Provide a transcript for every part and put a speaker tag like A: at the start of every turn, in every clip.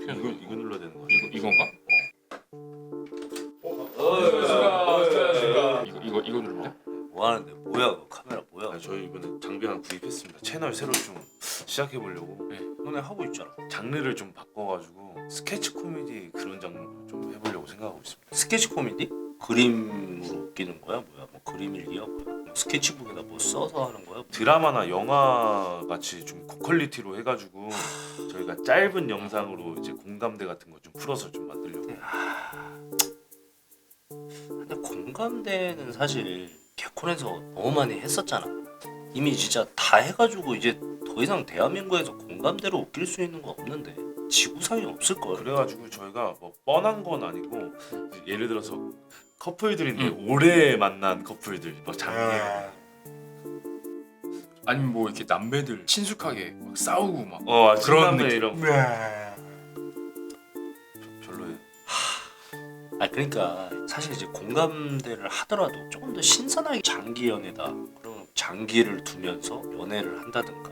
A: 이거 눌러야 되는 거야.
B: 이건가? 이거 누르면 돼?
C: 뭐 하는데? 뭐야 그 카메라 뭐야?
A: 아니, 저희 이번에 장비 하나 구입했습니다. 채널 새로 좀 시작해 보려고.
C: 네. 너네 하고 있잖아.
A: 장르를 좀 바꿔가지고 스케치 코미디 그런 장르로 좀 해보려고 생각하고 있습니다.
C: 스케치 코미디? 그림으로 웃기는 거야? 뭐야? 뭐 그림 일기야? 뭐야? 뭐 스케치북에다 뭐 써서 하는 거야?
A: 드라마나 영화 같이 좀 고퀄리티로 해가지고 저희가 짧은 영상으로 이제 공감대 같은 거 좀 풀어서 좀 만들려고.
C: 근데 공감대는 사실 개콘에서 너무 많이 했었잖아. 이미 진짜 다 해가지고 이제 더 이상 대한민국에서 공감대로 웃길 수 있는 거 없는데 지구상에 없을 걸.
A: 그래가지고 저희가 뭐 뻔한 건 아니고 예를 들어서 커플들인데 오래 만난 커플들 뭐 장례
B: 아니면 뭐 이렇게 남매들 친숙하게 막 싸우고 막
A: 그런
B: 그런
A: 느낌
B: 느낌.
A: 이런 거 별로예요.
C: 아 그러니까 사실 이제 공감대를 하더라도 조금 더 신선하게 장기 연애다. 그럼 장기를 두면서 연애를 한다든가.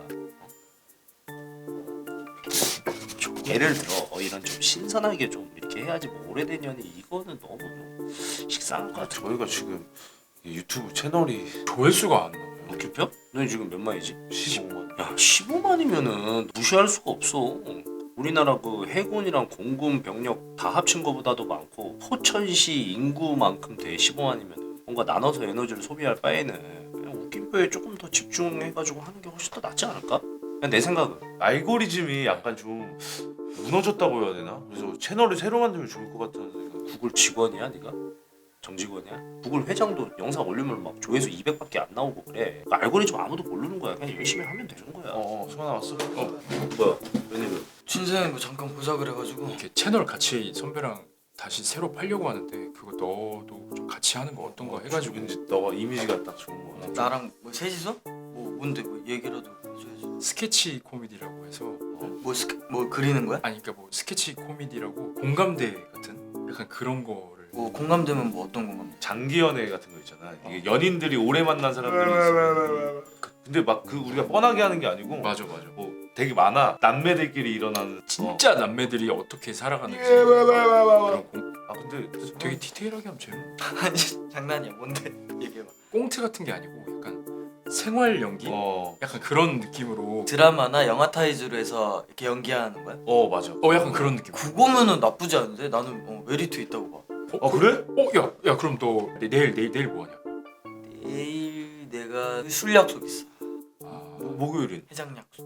C: 예를 들어 이런 좀 신선하게 좀 이렇게 해야지 뭐 오래된 연애 이거는 너무 좀 식상한 것 같아.
A: 저희가 지금 이 유튜브 채널이
B: 조회수가 안 나와요.
C: 웃기표? 너 지금 몇 만이지?
A: 15만.
C: 야 15만이면은 무시할 수가 없어. 우리나라 그 해군이랑 공군 병력 다 합친 거보다도 많고 포천시 인구만큼 돼. 15만이면 뭔가 나눠서 에너지를 소비할 바에는 그냥 웃김표에 조금 더 집중해가지고 하는 게 훨씬 더 낫지 않을까? 그냥 내 생각은.
A: 알고리즘이 약간 좀 무너졌다고 해야 되나? 그래서 채널을 새로 만들면 좋을 것 같다는 생각.
C: 구글 직원이야 네가? 정직원이야? 구글 회장도 영상 올리면 막 조회수 200밖에 안 나오고 그래. 그 알고리즘 아무도 모르는 거야. 그냥 열심히 하면 되는 거야.
A: 소나 왔어?
C: 뭐야? 웬일이야?
D: 진생이 뭐 잠깐 보자 그래가지고.
B: 이렇게 채널 같이 선배랑 다시 새로 팔려고 하는데 그거 너도 좀 같이 하는 거 어떤 거 해가지고
A: 왠지 너가 이미지가 딱 좋은 거 같아.
D: 나랑 뭐 셋이서? 뭐 뭔데 뭐 얘기라도 해줘야지.
B: 스케치 코미디라고 해서
D: 뭐 그리는 거야?
B: 아니 그러니까 뭐 스케치 코미디라고 공감대 같은 약간 그런 거를
D: 뭐 공감되면 뭐 어떤 공감대?
A: 장기 연애 같은 거 있잖아. 이게 연인들이 오래 만난 사람들이 있어. 근데 막 그 우리가 뻔하게 하는 게 아니고
B: 맞아
A: 뭐 되게 많아. 남매들끼리 일어나는
B: 진짜 남매들이 어떻게 살아가는지 그런
A: 근데
B: 되게 디테일하게 하면 재밌어.
D: 아니 장난이야. 뭔데? 얘기해봐.
B: 꽁트 같은 게 아니고 약간 생활 연기? 약간 그런 느낌으로
D: 드라마나 영화 타이즈로 해서 이렇게 연기하는 거야?
A: 맞아.
B: 약간 그런 느낌.
D: 그거면은 나쁘지 않은데? 나는 메리트 있다고 봐.
A: 그래?
B: 야 그럼 너 내일 뭐 하냐?
D: 내일 내가 술 약속 있어.
A: 목요일인.
D: 해장 약속.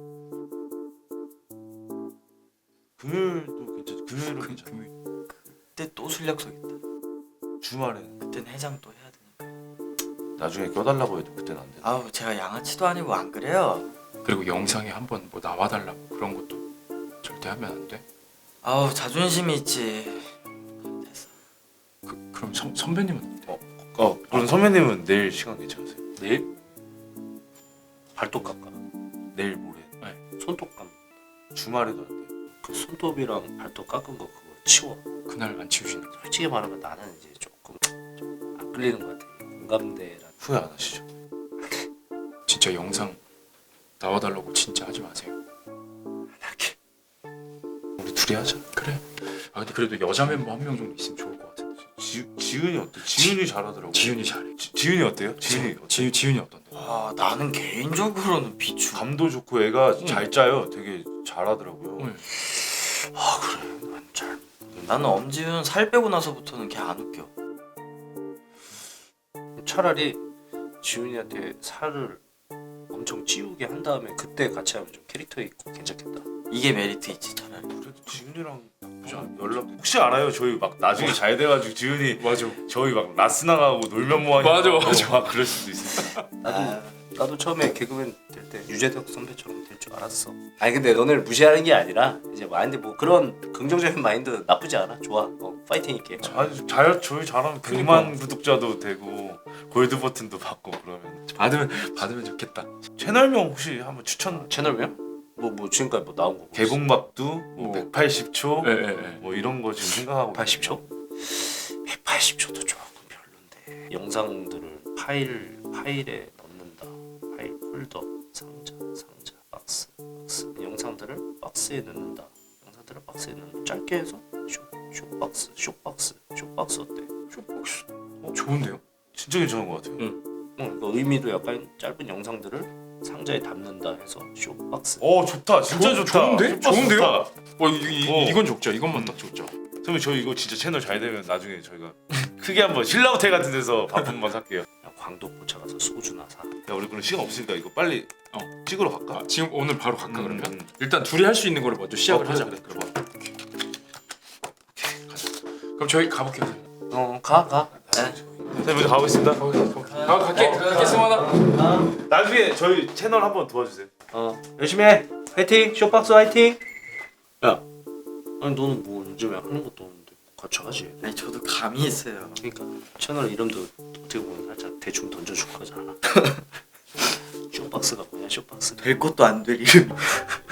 A: 금요일도 괜찮아. 금요일은 괜찮아.
B: 금요일.
D: 그때 또 술 약속 있다.
A: 주말엔
D: 그땐 해장 또 해야 되니까.
A: 나중에 껴달라고 해도 그때는 안 돼.
D: 아우 제가 양아치도 아니고 안 그래요.
B: 그리고 영상에 한번 뭐 나와달라고 그런 것도 절대 하면 안 돼.
D: 아우 자존심이 있지. 됐어.
B: 그럼 선배님은
A: 그럼 선배님은 내일 시간 괜찮으세요?
C: 내일? 발톱 깎아.
A: 내일 모레.
C: 손톱 깎아.
A: 주말에도 안 돼요.
C: 그 손톱이랑 발톱 깎은 거 그거 치워.
B: 그날 안 치우시는 거.
C: 솔직히 말하면 나는 이제 조금 안 끌리는 것 같아. 공감대란.
A: 후회 안 하시죠?
B: 진짜 영상 나와달라고 진짜 하지 마세요.
A: 우리 둘이 하자.
B: 그래. 근데 그래도 여자 멤버 한 명 정도 있으면 좋을 것 같은데.
A: 지은이 어때? 지은이 잘하더라고.
B: 지윤이 잘해.
A: 지은이 어때요?
B: 지윤이 어떤데?
D: 나는 개인적으로는 비추.
A: 감도 좋고 애가 잘 짜요. 되게 잘하더라고요.
B: 응.
D: 그래. 난 잘. 나는 엄지훈 살 빼고 나서부터는 걔 안 웃겨.
C: 차라리 지훈이한테 살을 엄청 찌우게 한 다음에 그때 같이 하면 좀 캐릭터 있고 괜찮겠다.
D: 이게 메리트 있지 차라리.
A: 그래도 지은이랑 나쁘지 않아. 연락 혹시 알아요? 저희 막 나중에 잘 돼가지고 지은이
B: 맞아.
A: 저희 막 라스 나가고 놀면 뭐하냐.
B: 맞아.
A: 막 그럴 수도 있으니까.
C: 나도 처음에 개그맨 될 때 유재석 선배처럼 될 줄 알았어. 아니 근데 너네를 무시하는 게 아니라 이제 마인드 뭐 그런 긍정적인 마인드 나쁘지 않아. 좋아. 파이팅 있게.
A: 저희 잘하면 100만 구독자도 되고 골드 버튼도 받고 그러면
B: 받으면 좋겠다.
A: 채널명 혹시 한번 추천.
C: 채널명? 뭐 지금까지 뭐 나온 거
A: 개봉박두 뭐 180초
B: 예.
A: 뭐 이런 거 지금 생각하고
C: 180초? 180초도 조금 별론데. 영상들을 파일에 넣는다. 파일 폴더, 상자, 박스. 영상들을 박스에 넣는다. 카드라박스에는 짧게 해서 쇼박스 어때?
B: 쇼박스 좋은데요?
A: 진짜 괜찮은 것 같아요.
C: 그 의미도 약간 짧은 영상들을 상자에 담는다 해서 쇼박스.
A: 좋다. 진짜 좋다.
B: 좋은데?
A: 슈퍼스
B: 좋은데요?
A: 좋다.
B: 이건 좋죠. 이것만 딱 좋죠.
A: 선배님 저희 이거 진짜 채널 잘 되면 나중에 저희가 크게 한번 신라호텔 같은 데서 밥 한번 살게요.
C: 야, 광도포차 가서 소주나 사.
A: 야 우리 그럼 시간 없으니까 이거 빨리 찍으러 갈까?
B: 지금 오늘 바로 갈까 그러면?
A: 음.
B: 일단 둘이 할 수 있는 거를 먼저 시작을
A: 그래,
B: 하자.
A: 그래.
B: 가자. 그럼 저희 가볼게요.
C: 가.
A: 선생님 먼저 가보겠습니다.
B: 갈게 승원아.
A: 나중에 저희 채널 한번 도와주세요.
C: 열심히 해. 화이팅. 쇼박스 화이팅. 야, 아니 너는 뭐 요즘에 하는 것도 없는데 같이 하지.
D: 아니 저도 감이 있어요.
C: 그러니까 채널 이름도 어떻게 보면 살짝 대충 던져줄 거잖아. 쇼박스가 뭐냐 쇼박스.
D: 될 것도 안 될 이름.